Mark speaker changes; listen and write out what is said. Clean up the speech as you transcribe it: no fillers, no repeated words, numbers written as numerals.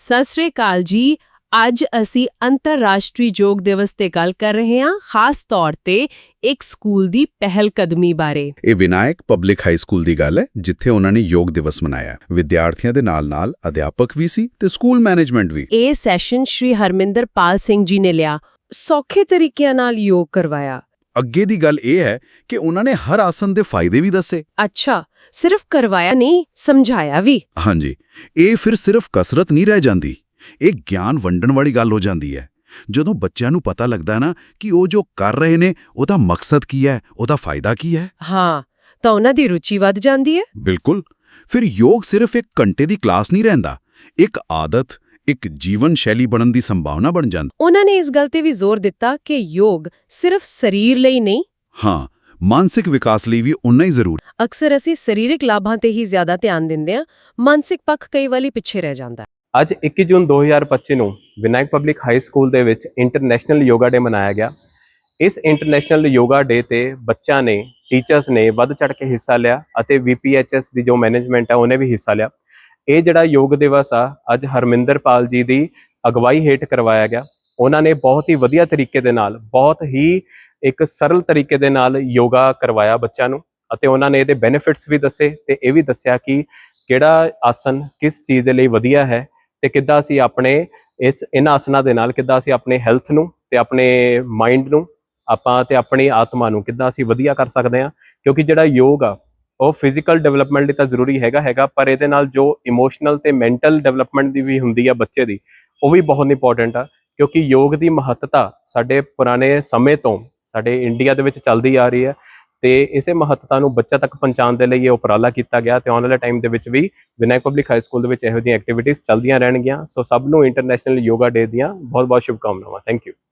Speaker 1: ਸਤਿ ਸ੍ਰੀ ਅਕਾਲ ਜੀ। ਅੱਜ ਅਸੀਂ ਅੰਤਰਰਾਸ਼ਟਰੀ ਯੋਗ ਦਿਵਸ ਤੇ ਗੱਲ ਕਰ ਰਹੇ ਹਾਂ, ਖਾਸ ਤੌਰ ਤੇ ਇੱਕ ਸਕੂਲ ਦੀ ਪਹਿਲ ਕਦਮੀ ਬਾਰੇ।
Speaker 2: ਇਹ ਵਿਨਾਇਕ ਪਬਲਿਕ ਹਾਈ ਸਕੂਲ ਦੀ ਗੱਲ ਹੈ, ਜਿੱਥੇ ਉਹਨਾਂ ਨੇ ਯੋਗ ਦਿਵਸ ਮਨਾਇਆ। ਵਿਦਿਆਰਥੀਆਂ ਦੇ ਨਾਲ-ਨਾਲ ਅਧਿਆਪਕ ਵੀ ਸੀ ਤੇ ਸਕੂਲ ਮੈਨੇਜਮੈਂਟ ਵੀ।
Speaker 1: ਇਹ ਸੈਸ਼ਨ ਸ਼੍ਰੀ ਹਰਮਿੰਦਰਪਾਲ ਸਿੰਘ ਜੀ ਨੇ ਲਿਆ, ਸੌਖੇ ਤਰੀਕਿਆਂ ਨਾਲ ਯੋਗ ਕਰਵਾਇਆ।
Speaker 2: ਅੱਗੇ ਦੀ ਗੱਲ ਇਹ ਹੈ ਕਿ ਉਹਨਾਂ ਨੇ ਹਰ ਆਸਨ ਦੇ ਫਾਇਦੇ ਵੀ ਦੱਸੇ।
Speaker 1: ਅੱਛਾ, ਸਿਰਫ ਕਰਵਾਇਆ ਨਹੀਂ, ਸਮਝਾਇਆ ਵੀ।
Speaker 2: ਹਾਂਜੀ, ਇਹ ਫਿਰ ਸਿਰਫ ਕਸਰਤ ਨਹੀਂ ਰਹਿ ਜਾਂਦੀ, ਇਹ ਗਿਆਨ ਵੰਡਣ ਵਾਲੀ ਗੱਲ ਹੋ ਜਾਂਦੀ ਹੈ। ਜਦੋਂ ਬੱਚਿਆਂ ਨੂੰ ਪਤਾ ਲੱਗਦਾ ਨਾ ਕਿ ਉਹ ਜੋ ਕਰ ਰਹੇ ਨੇ ਉਹਦਾ ਮਕਸਦ ਕੀ ਹੈ, ਉਹਦਾ ਫਾਇਦਾ ਕੀ ਹੈ,
Speaker 1: ਹਾਂ, ਤਾਂ ਉਹਨਾਂ ਦੀ ਰੁਚੀ ਵੱਧ ਜਾਂਦੀ ਹੈ।
Speaker 2: ਬਿਲਕੁਲ। ਫਿਰ ਯੋਗ ਸਿਰਫ ਇੱਕ ਘੰਟੇ ਦੀ ਕਲਾਸ ਨਹੀਂ ਰਹਿੰਦਾ, ਇੱਕ ਆਦਤ, ਇੱਕ ਜੀਵਨ ਸ਼ੈਲੀ ਬਣਨ ਦੀ ਸੰਭਾਵਨਾ ਬਣ ਜਾਂਦੀ।
Speaker 1: ਉਹਨਾਂ ਨੇ ਇਸ ਗੱਲ ਤੇ ਵੀ ਜ਼ੋਰ ਦਿੱਤਾ ਕਿ ਯੋਗ ਸਿਰਫ ਸਰੀਰ ਲਈ ਨਹੀਂ,
Speaker 2: ਹਾਂ, ਮਾਨਸਿਕ ਵਿਕਾਸ ਲਈ ਵੀ ਉਨਾ ਹੀ ਜ਼ਰੂਰੀ।
Speaker 1: ਅਕਸਰ ਅਸੀਂ ਸਰੀਰਕ ਲਾਭਾਂ ਤੇ ਹੀ ਜ਼ਿਆਦਾ ਧਿਆਨ ਦਿੰਦੇ ਹਾਂ, ਮਾਨਸਿਕ ਪੱਖ ਕਈ ਵਾਰੀ ਪਿੱਛੇ ਰਹਿ ਜਾਂਦਾ।
Speaker 3: ਅੱਜ 21 ਜੂਨ 2025 ਨੂੰ ਵਿਨਾਇਕ ਪਬਲਿਕ ਹਾਈ ਸਕੂਲ ਦੇ ਵਿੱਚ ਇੰਟਰਨੈਸ਼ਨਲ ਯੋਗਾ ਡੇ ਮਨਾਇਆ ਗਿਆ। ਇਸ ਇੰਟਰਨੈਸ਼ਨਲ ਯੋਗਾ ਡੇ ਤੇ ਬੱਚਿਆਂ ਨੇ, ਟੀਚਰਸ ਨੇ ਵੱਧ ਚੜ੍ਹ ਕੇ ਹਿੱਸਾ ਲਿਆ ਅਤੇ VPHS ਦੀ ਜੋ ਮੈਨੇਜਮੈਂਟ ਹੈ ਉਹਨੇ ਵੀ ਹਿੱਸਾ ਲਿਆ। ਇਹ ਜਿਹੜਾ ਯੋਗ ਦਿਵਸ ਆ ਅੱਜ ਹਰਮਿੰਦਰਪਾਲ ਜੀ ਦੀ ਅਗਵਾਈ ਹੇਠ ਕਰਵਾਇਆ ਗਿਆ। ਉਹਨਾਂ ਨੇ ਬਹੁਤ ਹੀ ਵਧੀਆ ਤਰੀਕੇ ਦੇ ਨਾਲ, ਬਹੁਤ ਹੀ ਇੱਕ ਸਰਲ ਤਰੀਕੇ ਦੇ ਨਾਲ ਯੋਗਾ ਕਰਵਾਇਆ ਬੱਚਿਆਂ ਨੂੰ, ਅਤੇ ਉਹਨਾਂ ਨੇ ਇਹਦੇ ਬੈਨੀਫਿਟਸ ਵੀ ਦੱਸੇ ਤੇ ਇਹ ਵੀ ਦੱਸਿਆ ਕਿ ਕਿਹੜਾ ਆਸਨ ਕਿਸ ਚੀਜ਼ ਦੇ ਲਈ ਵਧੀਆ ਹੈ ਤੇ ਕਿੱਦਾਂ ਅਸੀਂ ਆਪਣੇ ਇਹਨਾਂ ਆਸਨਾਂ ਦੇ ਨਾਲ ਕਿੱਦਾਂ ਅਸੀਂ ਆਪਣੇ ਹੈਲਥ ਨੂੰ ਤੇ ਆਪਣੇ ਮਾਈਂਡ ਨੂੰ ਆਪਾਂ ਤੇ ਆਪਣੀ ਆਤਮਾ ਨੂੰ ਕਿੱਦਾਂ ਅਸੀਂ ਵਧੀਆ ਕਰ ਸਕਦੇ ਹਾਂ। ਕਿਉਂਕਿ ਜਿਹੜਾ ਯੋਗ ਆ ਉਹ ਫਿਜ਼ੀਕਲ ਡਿਵੈਲਪਮੈਂਟ ਲਈ ਤਾਂ ਜ਼ਰੂਰੀ ਹੈਗਾ, ਪਰ ਇਹਦੇ ਨਾਲ ਜੋ ਇਮੋਸ਼ਨਲ ਤੇ ਮੈਂਟਲ ਡਿਵੈਲਪਮੈਂਟ ਦੀ ਵੀ ਹੁੰਦੀ ਆ ਬੱਚੇ ਦੀ, ਉਹ ਵੀ ਬਹੁਤ ਇੰਪੋਰਟੈਂਟ ਆ। ਕਿਉਂਕਿ ਯੋਗ ਦੀ ਮਹੱਤਤਾ ਸਾਡੇ ਪੁਰਾਣੇ ਸਮੇਂ ਤੋਂ ਸਾਡੇ ਇੰਡੀਆ ਦੇ ਵਿੱਚ ਚੱਲਦੀ ਆ ਰਹੀ ਹੈ ਤੇ ਇਸੇ ਮਹੱਤਤਾ ਨੂੰ ਬੱਚਾ ਤੱਕ ਪਹੁੰਚਾਉਣ ਦੇ ਲਈ ਇਹ ਉਪਰਾਲਾ ਕੀਤਾ ਗਿਆ ਤੇ ਆਉਣ ਵਾਲੇ ਟਾਈਮ ਦੇ ਵਿੱਚ ਵੀ ਵਿਨਾਇਕ ਪਬਲਿਕ ਹਾਈ ਸਕੂਲ ਦੇ ਵਿੱਚ ਇਹੋ ਜਿਹੀਆਂ ਐਕਟੀਵਿਟੀਜ਼ ਚੱਲਦੀਆਂ ਰਹਿਣਗੀਆਂ। ਸੋ ਸਭ ਨੂੰ ਇੰਟਰਨੈਸ਼ਨਲ ਯੋਗਾ ਡੇ ਦੀਆਂ ਬਹੁਤ-ਬਹੁਤ ਸ਼ੁਭਕਾਮਨਾਵਾਂ। Thank you.